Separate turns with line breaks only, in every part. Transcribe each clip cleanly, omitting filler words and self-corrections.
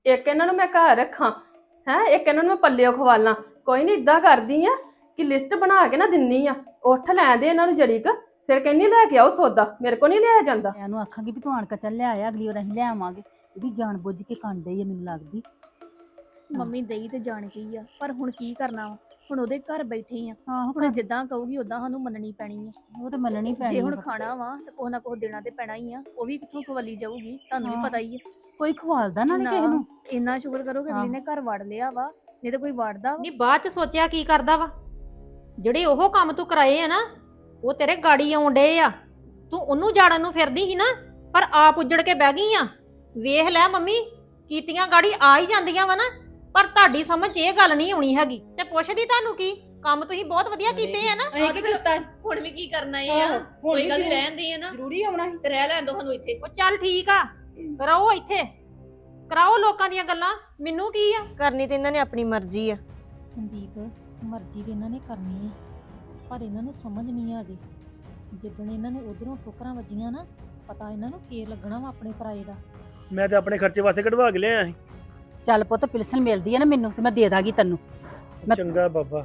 ਇੱਕ ਇਹਨਾਂ ਨੂੰ ਮੈਂ ਘਰ ਰੱਖਾਂ ਹੈ, ਇੱਕ ਇਹਨਾਂ ਨੂੰ ਮੈਂ ਪੱਲਿਓ ਖਵਾਲਾਂ। ਕੋਈ ਨਹੀਂ, ਇਦਾਂ ਕਰਦੀ ਆ ਕਿ ਲਿਸਟ ਬਣਾ ਕੇ ਨਾ ਦਿੰਨੀ ਆ, ਉੱਠ ਲੈ ਦੇ ਇਹਨਾਂ ਨੂੰ ਜੜੀ ਕ, ਫਿਰ ਕਹਿੰਦੀ ਲੈ ਕੇ ਆਓ ਸੌਦਾ, ਮੇਰੇ ਕੋ ਨਹੀਂ ਲਿਆ ਜਾਂਦਾ।
ਮੈਂ ਉਹਨੂੰ ਆਖਾਂਗੀ ਵੀ ਤੂੰ ਆਣ ਕੇ ਚੱਲ ਲੈ ਆਇਆ, ਅਗਲੀ ਵਾਰ ਅਸੀਂ ਲੈ ਆਵਾਂਗੇ। ਇਹਦੀ ਜਾਣ ਬੁੱਝ ਕੇ ਕੰਡ ਹੀ ਆ ਮੈਨੂੰ ਲੱਗਦੀ।
ਮੰਮੀ ਦੇਈ ਤੇ ਜਾਣ ਗਈ ਆ, ਪਰ ਹੁਣ ਕੀ ਕਰਨਾ ਵਾ, ਹੁਣ ਉਹਦੇ ਘਰ ਬੈਠੇ ਆ,
ਆਹੋ
ਹੁਣ ਜਿੱਦਾਂ ਕਹੂਗੀ ਉਦਾਂ ਸਾਨੂੰ ਮੰਨਣੀ ਪੈਣੀ ਆ।
ਉਹ ਤਾਂ ਮੰਨਣੀ ਪੈਣੀ
ਜੇ ਹੁਣ
ਆ।
ਖਾਣਾ ਵਾ ਤੇ ਕੁਛ ਨਾ ਕੁਛ ਦੇਣਾ ਤੇ ਪੈਣਾ ਹੀ ਆ, ਉਹ ਵੀ ਕਿੱਥੋਂ ਖਵਲੀ ਜਾਊਗੀ, ਤੁਹਾਨੂੰ ਵੀ ਪਤਾ ਹੀ ਆ।
ਕੋਈ ਖਵਾਲਦਾ ਨਾ ਕਿਸੇ ਨੂੰ।
ਇੰਨਾ ਸ਼ੁਕਰ ਕਰੋ ਕਿ ਅਗਲੀ ਨੇ ਘਰ ਵੜ ਲਿਆ ਵਾ, ਨਹੀਂ ਤੇ ਕੋਈ ਵੜਦਾ ਵਾ।
ਨਹੀਂ ਬਾਅਦ ਚ ਸੋਚਿਆ ਕੀ ਕਰਦਾ ਵਾ, ਜਿਹੜੇ ਉਹ ਕੰਮ ਤੂੰ ਕਰਾਏ ਆ ਨਾ ਉਹ ਤੇਰੇ ਗਾੜੀ ਆਉਣ ਡੇ ਆ। ਤੂੰ ਉਹਨੂੰ ਜਾੜਨ ਨੂੰ ਫਿਰਦੀ ਸੀ ਨਾ, ਪਰ ਆਪ ਉੱਜੜ ਕੇ ਬਹਿ ਗਈ ਆ। ਵੇਖ ਲੈ ਮੰਮੀ, ਕੀਤੀਆਂ ਗਾੜੀ ਆ ਹੀ ਜਾਂਦੀਆਂ ਵਾ ਨਾ, ਪਰ ਤੁਹਾਡੀ ਸਮਝ 'ਚ ਇਹ ਗੱਲ ਨਹੀਂ ਆਉਣੀ ਹੈਗੀ। ਤੇ ਪੁੱਛਦੀ ਤੁਹਾਨੂੰ ਕੀ, ਕੰਮ ਤੁਸੀਂ ਬਹੁਤ ਵਧੀਆ ਕੀਤੇ ਆ ਨਾ।
ਆਹ ਤੇ ਫਿਰ ਹੁਣ ਵੀ ਕੀ ਕਰਨਾ ਆ, ਕੋਈ ਗੱਲ ਨਹੀਂ, ਰਹਿਣ ਦੇ ਆ ਨਾ,
ਜ਼ਰੂਰੀ ਆਉਣਾ ਸੀ।
ਤੇ ਰਹਿ ਲੈਣ ਦੋ ਸਾਨੂੰ ਇੱਥੇ।
ਉਹ ਚੱਲ ਠੀਕ ਆ, ਰਹੋ ਇੱਥੇ, ਕਰਾਓ ਲੋਕਾਂ ਦੀਆਂ ਗੱਲਾਂ, ਮੈਨੂੰ ਕੀ ਆ। ਕਰਨੀ ਤੇ ਇਹਨਾਂ ਨੇ ਆਪਣੀ ਮਰਜ਼ੀ ਆ।
ਸੰਦੀਪ, ਮਰਜ਼ੀ ਤੇ ਇਹਨਾਂ ਨੇ ਕਰਨੀ ਹੈ, ਪਰ ਇਹਨਾਂ ਨੂੰ ਸਮਝ ਨਹੀਂ ਆ ਗਈ। ਜਿੱਦਣ ਇਹਨਾਂ ਨੂੰ ਉਧਰੋਂ ਠੋਕਰਾਂ ਵੱਜੀਆਂ ਨਾ, ਪਤਾ ਇਹਨਾਂ ਨੂੰ ਫੇਰ ਲੱਗਣਾ ਵਾ ਆਪਣੇ ਪਰਾਏ ਦਾ।
ਮੈਂ ਤੇ ਆਪਣੇ ਖਰਚੇ ਵਾਸਤੇ ਕਢਵਾ ਕੇ ਲਿਆਇਆ ਸੀ।
ਚੱਲ ਪੁੱਤ, ਪਿਲਸਨ ਮਿਲਦੀ ਹੈ ਨਾ ਮੈਨੂੰ ਤੇ ਮੈਂ ਦੇ ਦਾਂਗੀ ਤੈਨੂੰ। ਮੈਂ-
ਚੰਗਾ ਬਾਬਾ।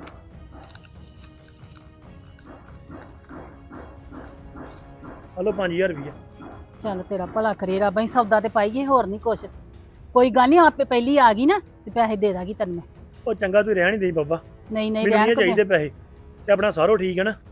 ਹਲੋ 5000 ਰੁਪਇਆ।
ਚੱਲ ਤੇਰਾ ਭਲਾ ਕਰੇ ਰੱਬ, ਅਸੀਂ ਸੌਦਾ ਤੇ ਪਾਈਏ, ਹੋਰ ਨਹੀਂ ਕੁਛ। ਕੋਈ ਗੱਲ ਨਹੀਂ, ਆਪੇ ਪਹਿਲੀ ਆ ਗਈ ਨਾ ਤੇ ਪੈਸੇ ਦੇ ਦਾਂਗੀ ਤੈਨੂੰ ਮੈਂ।
ਉਹ ਚੰਗਾ, ਤੂੰ ਰਹਿਣ ਹੀ ਦੇਈ ਬਾਬਾ,
ਨਹੀਂ ਨਹੀਂ,
ਮੈਨੂੰ
ਰਹਿਣ
ਨਹੀਂ
ਕੋ
ਚਾਹੀਦੇ ਪੈਸੇ, ਤੇ ਆਪਣਾ ਸਾਰੋ ਠੀਕ ਹੈ ਨਾ।